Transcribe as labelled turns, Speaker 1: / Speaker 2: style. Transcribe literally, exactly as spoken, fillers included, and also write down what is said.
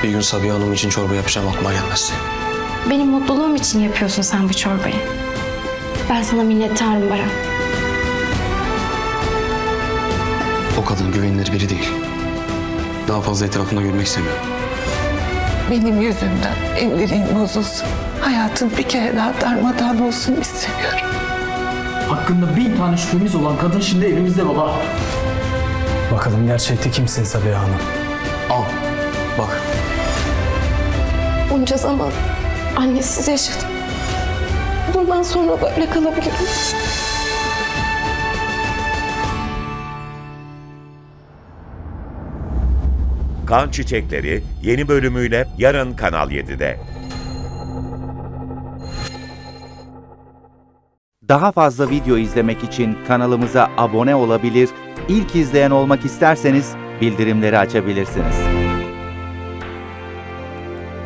Speaker 1: Bir gün Sabiha Hanım için çorba yapacağım aklıma gelmez.
Speaker 2: Benim mutluluğum için yapıyorsun sen bu çorbayı. Ben sana minnettarım Baran.
Speaker 1: O kadın güvenilir biri değil. Daha fazla etrafında görmek istemiyorum.
Speaker 3: Benim yüzümden evliliğin bozulsun. Hayatım bir kere daha darmadağın olsun istemiyorum.
Speaker 4: Hakkında bin tane şüphemiz olan kadın şimdi evimizde baba.
Speaker 5: Bakalım gerçekte kimsin Sabiha Hanım?
Speaker 1: Al, bak.
Speaker 2: Bunca zaman annesiz yaşadım. Bundan sonra böyle kalabilirim.
Speaker 6: Kan Çiçekleri yeni bölümüyle yarın Kanal yedide.
Speaker 7: Daha fazla video izlemek için kanalımıza abone olabilir, ilk izleyen olmak isterseniz bildirimleri açabilirsiniz.